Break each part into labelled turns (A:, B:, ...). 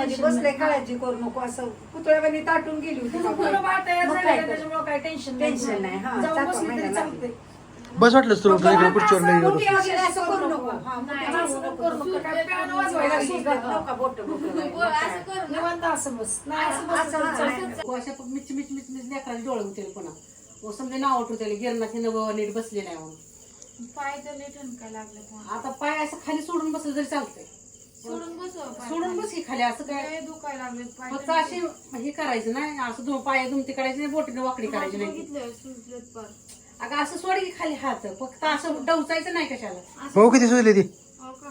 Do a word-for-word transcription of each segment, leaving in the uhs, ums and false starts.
A: मध्ये बसले काळजी करू नको असं पुतळ्यावानी ताटून गेली होती
B: त्याच्यामुळे काही टेन्शन
A: टेन्शन नाही हा
B: जाऊन
A: टाका
B: बसली तरी
A: महिना
B: चालते.
C: बस वाटलं तुला तुझ्या खुर्चीवर लई येत
A: मोठी
C: होती.
A: असली असं करू नको हा
B: नाही,
A: मोठी
B: असं
A: असं
B: करू नको. काय piano वाजवायला
A: लागली,
B: सुद्धा.
A: नका बोटं बोटं
D: असं करू ना.
B: निवांत असं बस नाही असं बस
A: असं
B: तरी चालते.
A: नाही.
E: अशा मिच मिच मिच मिच लेकराला डोळे होते पुन्हा व समजा नाव उठवते गिरणाची नव नीट बसले नाही म्हणून
D: पाय तर लय ठणका लागले पण.
E: आता पाय असं खाली सोडून बसलं तरी चालतंय
D: सोडून बसव पाय.
E: सोडून बस की खाली असं काय
D: लय दुखायला लागले पाय.
E: फक्त असे हे करायचं नाही असं दोन पाय दुमती करायची नाही बोटीने वाकडी करायची नाही
D: बघितलं सुजलेत पार.
E: अगं असं सोड की खाली हात फक्त असं डवचायचं नाही कशाला
C: भाऊ किती सुचली ती
D: हो का?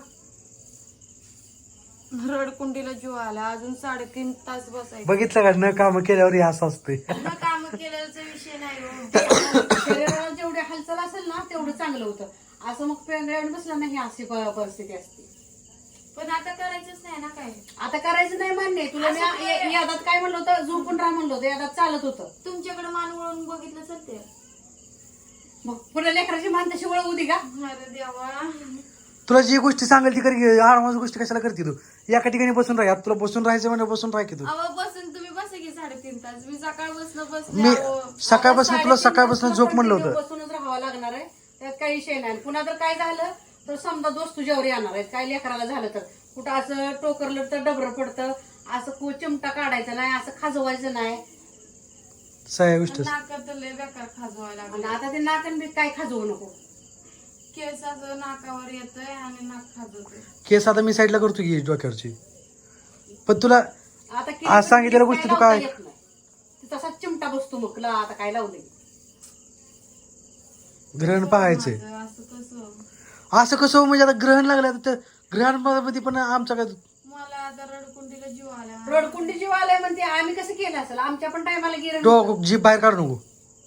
D: रडकुंडीला जीव आला अजून साडेतीन तास बसायचं.
C: बघितलं का न काम केल्यावर हे असं असतंय.
D: न काम केल्याचा विषय नाही हो.
E: शरीराला जेवढी हालचाल असेल ना तेवढं चांगलं होतं असं मग पेंगळ्यावर बसलं नाही अशी प- परिस्थिती असते
D: पण आता करायचंच नाही ना काय.
E: आता करायचं नाही मान्य आहे. तुला मी
D: असं
E: या- यादात काय म्हणलं होतं झोपून राहा म्हणलं होतं यादात चालत होतं
D: तुमच्याकडे मान वळून बघितलं चालते.
E: मग पुढे लेकराची मान तशी वळवू दे का
D: अरे देवा.
C: तुला जी गोष्टी सांगेल ती कर आरामाची गोष्टी कशाला करते तू एका ठिकाणी बसून राहा तुला बसून राहायचं म्हणजे बसून राहा की तू
D: अहो बसून तुम्ही बसा की साडेतीन तास. मी सकाळपासून बसले
C: मी
D: अहो.
C: सकाळपासून तुला
E: साडेतीन
C: सकाळपासून
E: तास
C: झोप म्हणलं
E: continue
C: होतं
E: बसूनच राहावं लागणार आहे त्यात काही विषय नाही पुन्हा जर काय झालं तर समजा दोस्त तुझ्यावर येणार आहेत काय लेकराला झालं तर कुठं असं टोकरलं तर डबरं पडतं असं कु चिमटा काढायचा नाही असं खाजवायचं नाही
C: सगळ्या गोष्टी
D: नाकात तर लय बेकार खाजवायला
E: आणि
D: लागले.
E: आता ते नाकन बी काय खाजवू नको
D: केस असं नाकावर येतोय आणि नाक खाजवतोय.
C: केस आता मी साईडला करतो की डोक्यावरची पण तुला
E: आता किती
C: आज सांगितलेल्या
E: पण
C: गोष्टी तू
E: लावता
C: काय-
E: येत नाही. ते तसाच चिमटा बसतो मग ला आता काय लावलंय
C: ग्रहण पाहायचंय
D: माझं असं कसं.
C: असं कसं हो, म्हणजे आता ग्रहण लागलं तर ग्रहणामध्ये पण आमचा काय
D: मला आता रडकुंडीला जीव आला.
E: रोडकुंडी जीव आलाय म्हणते आम्ही कसं केलं असेल आमच्या पण टायमाला गिरण
C: डोक जीभ बाहेर काढू नको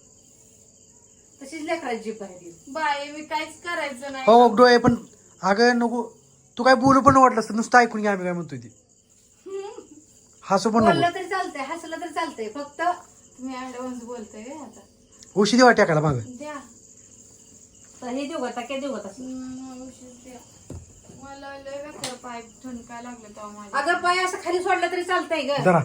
E: तशीच लेकराची जीभ आहे
D: बाई मी काहीच करायचं नाही.
C: हो डोळे पण अगं नको तू काय बोलू पण वाटलं असतं नुसतं ऐकून घ्या आम्ही काय म्हणतोय ती हसू पण नको
E: बोललं तरी चालतंय हसलं तरी चालतंय फक्त
D: तुम्ही ऍडव्हान्स बोलतोय व्हय आता.
C: औषधी वाट टाकायला माग
D: द्या.
E: तर हे देऊ का काय देऊ का तसं
D: हम्म, औषध द्या. मला लय बेकार पाय ठणकाय लागले तेव्हा माझ्या.
E: अगं पाय असं खाली सोडलं तरी चालतंय ग
C: जरा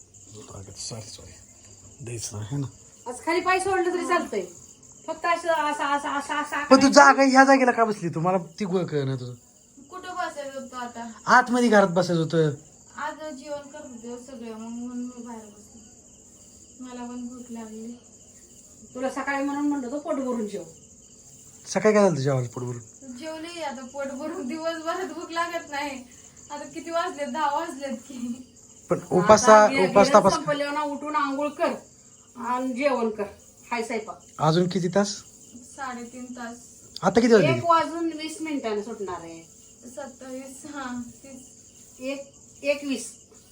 C: सॉरी सॉरी द्यायचं आहे ना
E: असं खाली पाय सोडलं तरी चालतंय फक्त असं असं असं असं असं
C: पण तू जागा ह्या जागेला का बसली तू मला ती गोळ कळणार तुझं
D: कुठं बसायचं होतं आता.
C: आतमध्ये घरात बसायचं होतं
D: आज जेवण करत होते सगळे मग म्हणून मी बाहेर बसले. मला पण भूक लागली.
E: तुला सकाळी म्हणून म्हणलं होतं पोट भरून जेव
C: सकाळी काय झालं तुझ्या आवाज पोटभरून
D: जेवले आता पोट भरून दिवसभरात भूक लागत नाही. आता किती वाजलेत दहा वाजलेत की.
C: पण उपासा
E: आता गे-
C: उपास
E: गिरण
C: तपास
E: संपल्यावर ना उठून आंघोळ कर आणि जेवण कर हाय स्वयंपाक
C: अजून किती तास
D: साडेतीन तास.
C: आता किती वाजले
E: एक वाजून वीस मिनिटाने सुटणार आहे
D: सत्तावीस हा तीस.
E: एक एकवीस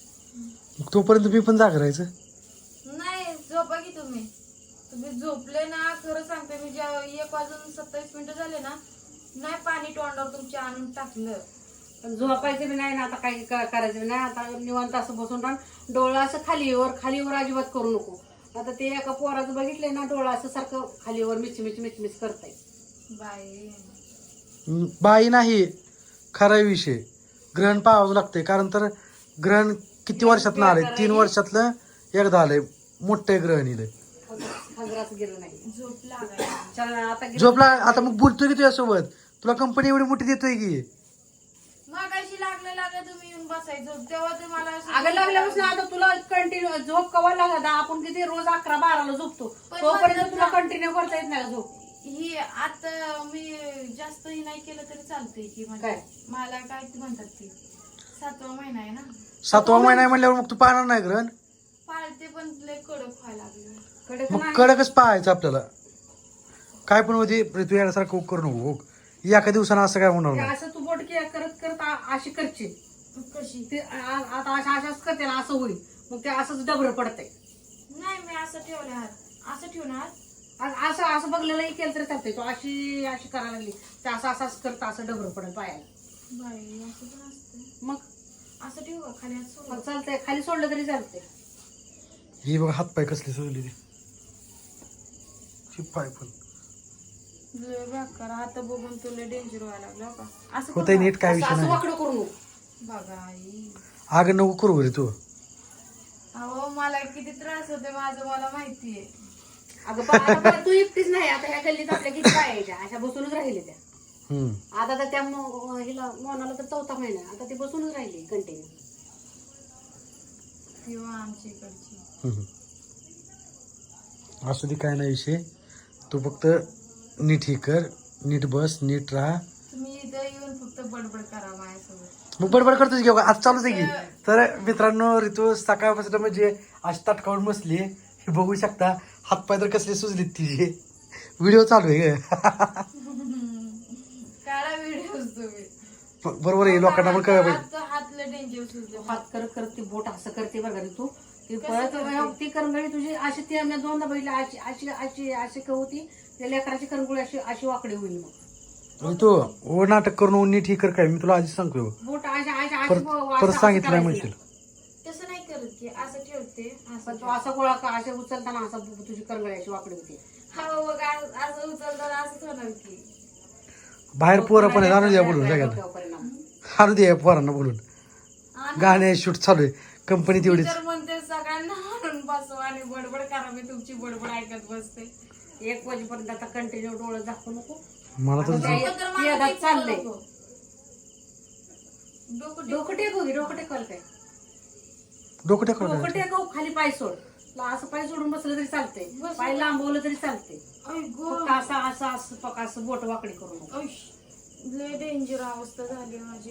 C: तोपर्यंत मी पण जाग राहायचं
D: नाही झोपा की तुम्ही. तुम्ही झोपले ना खरं सांगते मी जेव्हा एक वाजून सत्तावीस मिनिटं झाले ना नाही पाणी तोंडावर तुमच्या आणून टाकलं.
E: पण झोपायचं बी नाही ना आता काही क- करायचं बी नाही आता निवांत असं बसून राहून डोळा असं खालीवर खालीवर अजिबात करू नको आता ते एका पोराचं बघितलंय ना डोळा असं सारखं खालीवर मिच मिच मिच मिच करताय
D: बाई
C: हम्म, बाई नाही खरा विषय ग्रहण पाहावं लागतंय कारण तर ग्रहण किती वर्षात आलंय तीन वर्षातलं एकदा आलंय मोठं ग्रहण इलंय
E: हजराच गेलं नाही
D: झोप लागायला.
E: छान आता गेलं-
C: झोपला आता मग बोलतोय की तुझ्यासोबत तुला कंपनी एवढी मोठी देतोय की
D: मगाशी लागलं लागलं तुम्ही येऊन बसायचं तेव्हा ते मला असं-
E: अगं लागल्यापासून आता तुला कंटिन्यू झोप कवा लागत आपण किती रोज अकरा बाराला झोपतो
D: पण
E: तोपर्यंत
D: म्हणतात
E: तुला
D: ना-
E: कंटिन्यू करता येत नाही का झोप
D: ही आता मी जास्तही नाही केलं तरी चालतंय की म्हणजे
E: काय?
D: मला काय ते म्हणतात ती सातवा महिना आहे ना
C: सातवा महिना आहे म्हणल्यावर मग तू पाहणार नाही ग्रहण
D: पाळते पण लय कडक व्हायला लागले.
E: कडक
C: मग
E: नाही.
C: कडकच पाहायचं आपल्याला काय पण होती तू यासारखं करू नको एका दिवसानं असं काय होणार
E: ते
C: नाही
E: असं तू बोट के- करत करत आ- अशी करशील
D: कशी
E: ते आ- आता अशा अशाच करते ना असं होईल मग ते असंच डबरं पडतंय
D: नाही मी असं ठेवले हात असं ठेवणार.
E: आ- असं असं बघलेलं केलं तरी चालतंय तो अशी अशी करायला लागली ते असं असंच करतं असं डबरं पडेल पायाला
D: बाई असं पण असतं.
E: मग
D: असं ठेवू का खाली हात सोडून?
E: मग चालतंय खाली सोडलं तरी चालतंय
C: ही बघ हातपाय कसली सोडली ती पाय पण
D: लय बेकार आता बघून तुला डेंजर व्हायला लागला का असं
C: होतंय
D: करू
C: नीट काय
E: असं
C: विषय
E: असं
C: नाही
E: वाकडं करू नको
D: का? बघा आई
C: अगं नको करू रे तू.
D: अहो मला किती त्रास होते माझं मला माहितीये.
E: अगं पण आता बरं तू एकटीच नाही, आता ह्या गल्लीत आपल्या किती काय यायच्या अशा बसूनच राहिले त्या.
C: हम्म.
E: आता तर त्या मो- हिला मोनाला तर चौथा महिना आहे. आता ती बसूनच राहिली कंटिन्यू.
D: किंवा आमच्या इकडची
C: हम्म. असू दे काय नाही विषय. तू फक्त नीट हे कर, नीट बस, नीट राहा.
D: तुम्ही इथं येऊन फक्त बडबड करा माझ्यासोबत.
C: मग बडबड करतोच घेऊ आज चालूच आहे की. तर मित्रांनो ऋतू सकाळपासून म्हणजे आज ताटकावून बसली हे बघू शकता. हातपाय तर कसले सुजलेत तिचे. व्हिडिओ चालू आहे ग.
D: काढा व्हिडिओ तुम्ही.
C: बरोबर आहे लोकांना पण कळलं पाहिजे.
D: हात हातले डेंजर सुचले.
E: हात करत करत ती बोट असं करते बघा रे तू. ती परत ती करंगळी तुझी अशी ती आम्ही दोनदा बघितली अशी अशी अशी अशी का होती त्या लेकराची करंगळी अशी अशी वाकडी होईल मग.
C: ऋतू ओ नाटक करून नीट हे कर काय मी तुला आधीच सांगतो.
E: बोट अशी अशी अशी
C: परत
E: ब-
C: परत
E: असं-
C: सांगितलं
E: असं
C: म्हणशील.
E: करायचं.
D: तसं नाही करत की असं ठेवते
E: पण
D: असं
E: तू असा गोळा का असे उचलताना असा तुझी करंगळी अशी वाकडी होती.
D: हा बघ आ- असं उचलताना असंच होणार की.
C: बाहेर पोरं पण आहेत, आणू द्या बोलून सगळ्यांना.
E: डोक्यावर परिणाम.
C: आणू द्या पोरांना बोलून. गाणे शूट चालू आहे कंपनी तेवढीच.
D: तर म्हणते सगळ्यांना आणून बसवा आणि बडबड करा. मी तुमची बडबड ऐकत बसते.
E: एक वाजेपर्यंत आता कंटिन्यू डोळं दाखवू नको.
C: मला तर
E: आता
D: डोकं तर
E: ते
D: मला
E: आता
D: टेकवू
E: चाललंय.
D: नको. डोकं टेकवू.
E: डोकं टेकू घे, डोकं टेकल काय
C: डोकं टेकलं
E: डोकं
C: काय.
E: टेकव खाली पाय सोड. तुला असं पाय सोडून बसलं तरी चालतंय.
D: बस.
E: पाय लांबवलं तरी चालतंय.
D: आई गो.
E: फक्त असं असं असं पका असं बोट वाकडी करू नको.
D: ऐश, लय डेंजर अवस्था झाली माझी.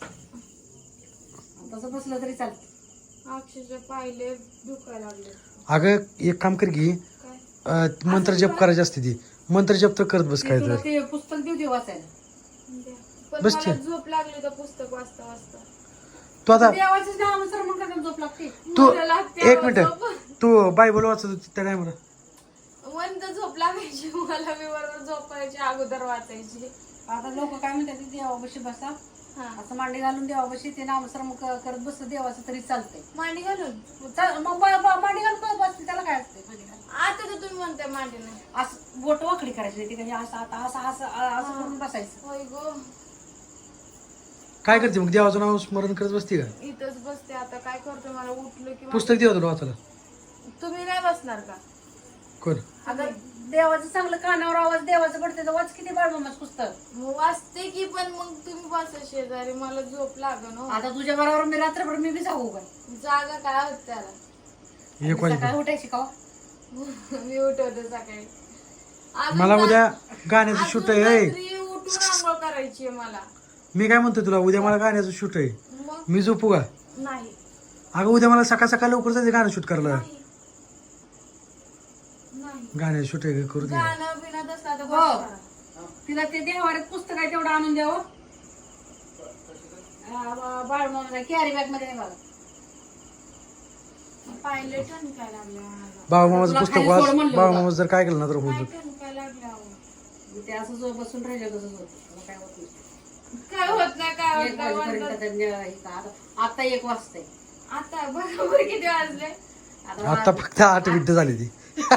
E: तसं बसलं तरी चालतंय.
D: अक्षरशः पाहिले दुखायला लागले.
C: अगं एक काम कर की
D: काय
C: अं, मंत्र जप करायची असते ती. मंत्र जप तर करत बस
E: ते
C: काय
E: तुला
C: तर.
E: ते पुस्तक देऊ दे वाचायला.
D: द्या. पण
C: बस
D: मला
C: ते.
D: झोप लागली तर पुस्तक वाचता वाचता.
C: तू आता
E: देवाचंच नाव सर मग काय झोप लागते.
C: तू
D: मला लागते
C: एक
D: आवाज
C: मिनिट
D: झोप.
C: तू बायबल वाचत होती त्या टायमाला.
D: मंद झोप लागायची मला. मी बरोबर झोपायची अगोदर वाचायची.
E: आता लोक काय म्हणतात देवापाशी बसा
D: हा
E: असं मांडी घालून देवापाशी ते नामस्मरण क- करत बसलं देवाचं तरी चालतंय.
D: मांडी घालून.
E: चा- मग ब- ब- मांडी घालून करत बसते त्याला काय असते मांडी घालून.
D: आता तर तुम्ही म्हणताय मांडी नाही.
E: असं बोट वाकडी करायची नाही. ती काही असं आता असं असं असं करून बसायचं.
D: होय गो.
C: काय करते मग देवाचं नाव स्मरण करत बसते का.
D: इथंच बसते आता. काय करते मला उठलं की
C: पुस्तक देवा तुला वाचायला.
D: तुम्ही नाही बसणार का.
C: कोण.
E: अगं देवाचं चांगलं कानावर आवाज देवाचं पडते तर वाच किती बाळमामाच पुस्तक.
D: मग वाचते की पण मग तुम्ही बसा शेजारी. मला झोप लागन हो.
E: आता तुझ्या बरोबर मी रात्रभर मी बी जाऊ काय.
D: जागा काय होत त्याला.
C: एक
E: सकाळी
C: वाजता
E: उठायची का.
D: मी उठवते सकाळी. अजून
C: मला
D: रा-
C: उद्या गाण्याचं
D: अजून
C: शूट आहे.
D: रात्री उठून आंघोळ करायची आहे मला.
C: मी काय म्हणतो तुला उद्या मला गाण्याचं शूट आहे.
D: मग
C: मी झोपू का.
D: नाही
C: अगं उद्या मला सकाळ सकाळ लवकर जायचं गाणं शूट करायला.
D: नाही. नाही.
C: गाण्याचं शूट आहे करू दे.
D: गाणं बिणं असला तर
E: हो.
D: बस करा.
E: तिला ते देवाऱ्यात पुस्तक आहे तेवढं आणून द्यावं. बाळमामा कॅरी बॅग मध्ये नाही बघा.
D: पाहिले ठणकाय लागले मला.
C: बाबा मामाचं
E: तुला
C: पुस्तक
E: खाली
C: वाच.
E: सोड म्हणलं
C: बाबा
E: होतं.
C: मामा जर काय केलं ना तर होऊ
D: काय
C: दे.
D: ठणकाय लागले अहो.
E: ते असं जो बसून राहिलं तसंच होतं. मला काय होत नाही.
D: काय होत नाही काय होत
E: एक
D: नाही
E: वाजेपर्यंत
D: म्हणतात.
E: त्यांनी हे का- आता- आता एक वाजतंय.
D: आता बरोबर किती वाजले.
C: आता फक्त आठ मिनिटं झाली ती.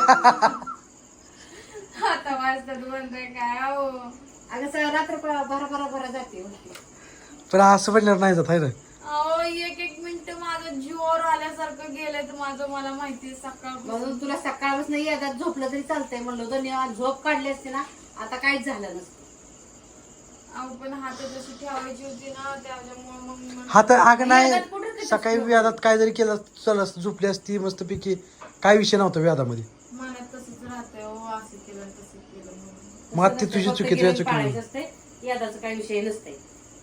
D: आता वाजतात म्हणताय काय अहो.
E: अगं सगळं रात्र प- भरा भरा भरा जाते उलटी.
C: पण असं पण नाही जात आहे ना.
D: अहो एक एक मिनिट माझं जीवावर आल्यासारखं गेलंय तर माझं मला माहितीये सकाळ.
E: म्हणून तुला सकाळपासून येतात झोपलं तरी चालतंय म्हणलं होतं. निवांत झोप काढली असते ना आता काहीच झालं नसतं.
D: अहो पण हात जशी ठेवायची होती ना त्याच्यामुळे मग म्हणलं-
C: हा तर अगं नाही
E: व्याधात कुठं कधीच
C: सकाळी व्याधात काय जरी केलं चल झोपली असती मस्त पैकी. काय विषय नव्हता व्याधामध्ये.
D: मनात तसंच राहतंय हो असं केलं आणि तसं केलं म्हणून.
C: मग ती तुझी
E: फक्त
C: चुकी तुझ्या
E: गिऱ्हाईक
C: चुकी
E: पाळायचं असतंय. यादाचा काही विषय नसतंय.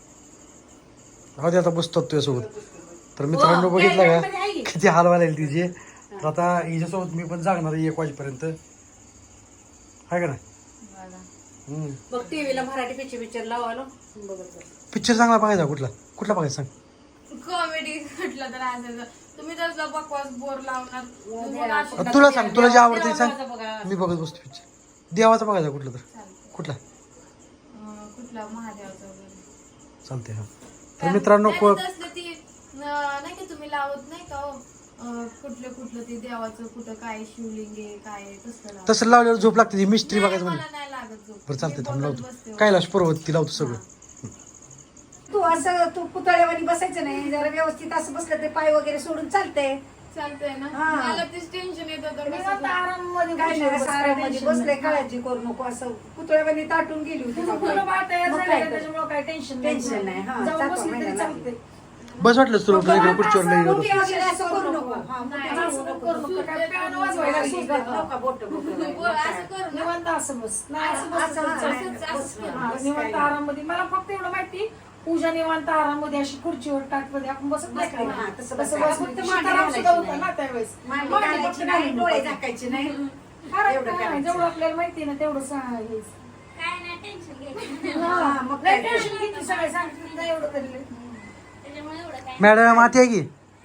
C: हो ते आता बसतो तुझ्यासोबत. तर मित्रांनो
E: हो,
C: बघितलं
E: carry bag
C: का
E: मध्ये आहे की?
C: किती हाल व्हायला लागले तिचे. तर आता हिच्यासोबत मी पण जागणार आहे एक वाजेपर्यंत आहे का नाही.
D: बघा.
C: हम्म.
E: बघ टीव्हीला मराठी पिक्चर पिक्चर लावायला बघत बस.
C: पिक्चर चांगला बघायचा कुठला कुठला बघायचा सांग.
D: कॉमेडी म्हटलं तर असायचं. तुम्ही तसला बकवास बोर लावणार. तुम्हाला अशी-
C: अ, तुला सांग तुला जे आवडते सांग.
E: देवाचा बघा.
C: मी बघत बसतो पिक्चर. देवाचा बघायचा कुठला तर
D: चालतंय.
C: कुठला
D: अं, कुठला महादेवाचा वगैरे.
C: चालते हा. तर मित्रांनो
D: नाही,
C: को-
D: नाही, तसलं ती अं, नाही का तुम्ही लावत नाही का हो अं, कुठलं कुठलं ते देवाचं कुठं काय शिवलिंग आहे काय आहे, तसलं लावत.
C: तसं लावल्यावर झोप लागते ती मिस्त्री
D: नाही,
C: बघायचं
D: मला
C: म्हणजे.
D: नाही लागत झोप.
C: बरं चालते
D: मी
C: थांब
D: बघत
C: लावतो
D: बसते.
C: कैलाश पर्वत ती लावतो सगळं.
E: तू
A: असं तू पुतळ्यावानी बसायचं नाही, जरा व्यवस्थित असं बसलं ते पाय वगैरे सोडून चालतंय.
D: चालतंय ना
A: हा.
D: मला तेच टेन्शन येत होतं
B: निवांत
D: कसं-
B: आराममध्ये
A: काय
B: खुर्चीवर
A: नाही,
B: बस,
A: असं
B: काय
A: आराममध्ये
B: tension
A: बसले,
B: नाही.
A: काळजी करू नको. असं पुतळ्यावानी ताटून गेली होती
B: तुझं
A: बाबा.
B: बाळ तयार
A: मग
B: झालेलं
A: काय
B: आहे,
A: तर.
B: त्याच्यामुळे काही टेन्शन
A: टेन्शन नाही, हा,
B: जाऊन
A: जातो
B: बसली तरी
A: महिन्याला.
B: चालते.
C: बस वाटलं तुला तुझ्या इकडे खुर्चीवर लई येत
A: मोठी
C: होतं.
A: वगैरे असं करू नको. हा, मोठी
B: नाही,
A: असं
B: असं
A: नको
B: करू
A: करू.
B: नको. काय पियानो वाजवायला लागली का?
A: नका बोटं बोटं
D: बोल, असं करू ना
B: निवांत असं बस नाही असं बस
A: असं- असं-
B: चालतं.
A: असं- असं-
B: हा,
A: बस
B: निवांत
A: काय
B: आराममध्ये मला फक्त एवढं माहिती पूजा निवांत आराममध्ये अशी खुर्चीवर टाटमध्ये आपण बसत नाही
A: बसली,
B: का?
A: हा, तसं
B: तसं
A: बसायचं.
B: बसली.
A: फक्त
B: सीताराम
A: मांडी
B: सुद्धा
A: घालायची
B: होता ना त्यावेळेस
A: मांडी
B: मांडी
A: घालायची
B: फक्त
A: नाही,
B: घालून
A: डोळे
B: टाकायचे.
A: झाकायचे नाही.
B: फरक
A: एवढं
B: नाही,
A: करायचं.
B: जेवढं आपल्याला माहिती आहे ना तेवढं सांग हेच.
F: काय नाही टेन्शन घ्यायचं
A: हा, मग
B: लय
A: काय
B: टेन्शन घेतली सगळे सांगितलं नाही एवढं तरी लय.
F: त्याच्यामुळे एवढं काय
C: मॅडम आत या की.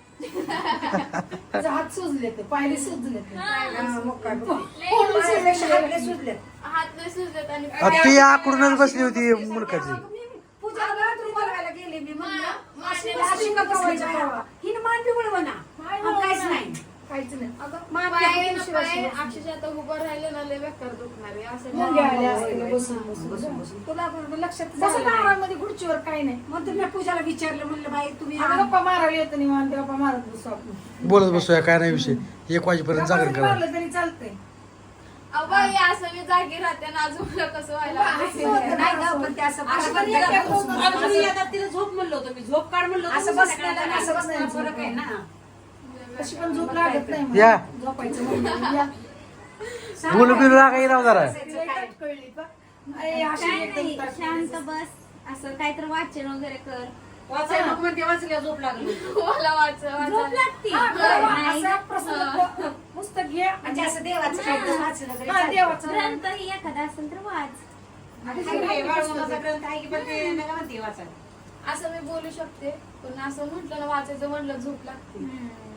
B: त्याचे हात सुजले ते पायरी सुजले ते
A: हा, मग काय बघ.
B: फोडून
A: पायापेक्षा
B: सुजले.
A: हातले सुजले.
D: हात लय सुजलेत आणि
C: आ, ती आकडूनच बसली होती मुलकाची.
A: मी पूजाला तू बोलवायला गेले, मी म्हणलं
D: मा-
A: अशी
D: मांडी
A: अशी का बसली बाया? हिनं मान बी वळवं ना.
B: पाय
A: मग काहीच
B: वळवणार.
A: नाही.
B: काहीच नाही
A: मान बी
D: पाय
A: हाकून
D: ना
A: शिवाय
D: पाय
A: शिवाय.
D: अक्षरशः आता उभं राहिलं ना लय बेकार दुखणार आहे असं
B: मग
D: नाही.
B: घ्यायला असते
A: होय,
B: बसून
A: होय.
B: बसून
A: बसून बसून. तुला पण लक्षात
B: बसत
A: झालं नाही.
B: आराममध्ये खुर्चीवर काही नाही
A: मग तुम्ही पूजाला विचारलं, म्हणलं बाई तुम्ही
B: आम्ही गप्पा मारायला येतो निवांत गप्पा मारत बसू आपण
C: बोलत बसूया काय नाही विषय. एक वाजेपर्यंत
B: गप्पा
C: जागरण
B: जरी
C: करा.
B: मारलं तरी चालतंय
D: अहो बाई असं मी जागी राहते ना अजून मला कसं व्हायला लागलं.
A: असं होतं, नाही गं, पण ते असं
E: असं
A: फरक
E: पण
A: आहे.
E: एक होतं. आता मी आता तिला झोप म्हणलं होतं मी झोप काढ म्हणलं होतं.
A: असं बसण्याला आणि असं बसण्याला फरक आहे ना.
B: तशी पण झोप लागत नाही मला.
C: या.
B: झोपायचं म्हणलं. या.
C: बोलू बिलू लागा येईल जरा.
B: लय टाट कळली का? अरे, अशी
F: काय
B: एकदम
F: नाही
B: टाट
F: शांत
B: कळली.
F: बस असं काहीतरी वाचन वगैरे कर
E: वाचायला नको म्हणते वाचल्या झोप लागली.
D: मला वाच
F: झोप
D: वाचायला.
F: लागती
B: हा, बरोबर.
F: नाही
B: असा प्रसंग पुस्तक घे
A: म्हणजे असं देवाचं काहीतरी वाचलं तरी
B: हा,
A: चालतं.
B: देवाचं
F: ग्रंथ ही एखादा असेल तर वाच
E: आहे, बाळूमामाचा ग्रंथ आहे की पण ते नका म्हणते वाचायला.
D: असं मी बोलू शकते पण असं म्हटलं ना वाचायचं म्हणलं झोप लागते
F: हम्म.